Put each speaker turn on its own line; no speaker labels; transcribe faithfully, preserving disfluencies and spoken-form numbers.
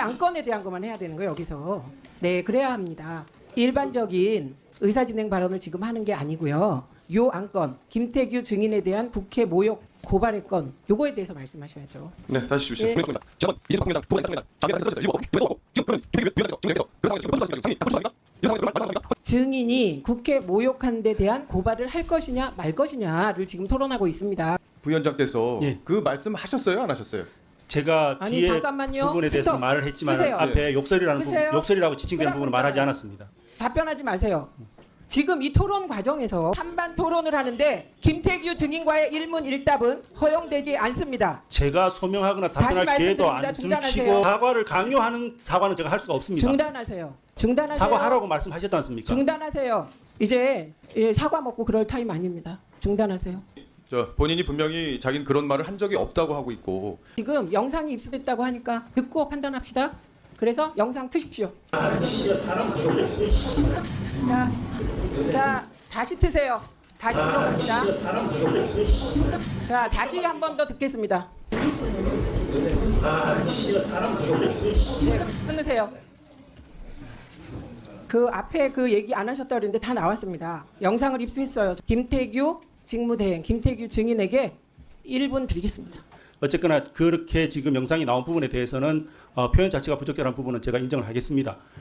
안건에 대한 것만 해야 되는 거예요, 여기서. 네, 그래야 합니다. 일반적인 의사진행 발언을 지금 하는 게 아니고요. 요 안건, 김태규 증인에 대한 국회 모욕 고발의 건, 요거에 대해서 말씀하셔야죠.
네, 다시 주십시오.
예.
본회의입니다. 지금 이재석 국민의당 부분 이상입니다. 자기가 써주세요. 일곱 일곱 지금 그러면 위원장님 진행해서 그 상황에서 지금 선수하시는 상이 선수합니까? 이 상황에서 말 말합니까?
증인이 국회 모욕한 데 대한 고발을 할 것이냐 말 것이냐를 지금 토론하고 있습니다.
부위원장께서
예.
그 말씀 하셨어요, 안 하셨어요?
제가
아니,
뒤에
잠깐만요.
부분에 대해서
스톱.
말을 했지만
끄세요.
앞에 욕설이라는 부분,
끄세요.
욕설이라고 지칭되는 부분은 말하지 않았습니다.
답변하지 마세요. 지금 이 토론 과정에서 찬반 토론을 하는데 김태규 증인과의 일문일답은 허용되지 않습니다.
제가 소명하거나 답변할
다시
기회도 안
말씀드립니다.
두시고
중단하세요.
사과를 강요하는 사과는 제가 할 수가 없습니다.
중단하세요. 중단하세요.
사과하라고 말씀하셨지 않습니까?
중단하세요. 이제 예, 사과 먹고 그럴 타임 아닙니다. 중단하세요.
저 본인이 분명히 자기는 그런 말을 한 적이 없다고 하고 있고
지금 영상이 입수됐다고 하니까 듣고 판단합시다. 그래서 영상 트십시오. 자, 자 다시 트세요. 다시 들어갑니다. 자, 다시 한 번 더 듣겠습니다. 네, 끊으세요. 그 앞에 그 얘기 안 하셨다 그랬는데 다 나왔습니다. 영상을 입수했어요. 김태규 직무대행, 김태규 증인에게 일 분 드리겠습니다.
어쨌거나 그렇게 지금 영상이 나온 부분에 대해서는 어, 표현 자체가 부적절한 부분은 제가 인정을 하겠습니다.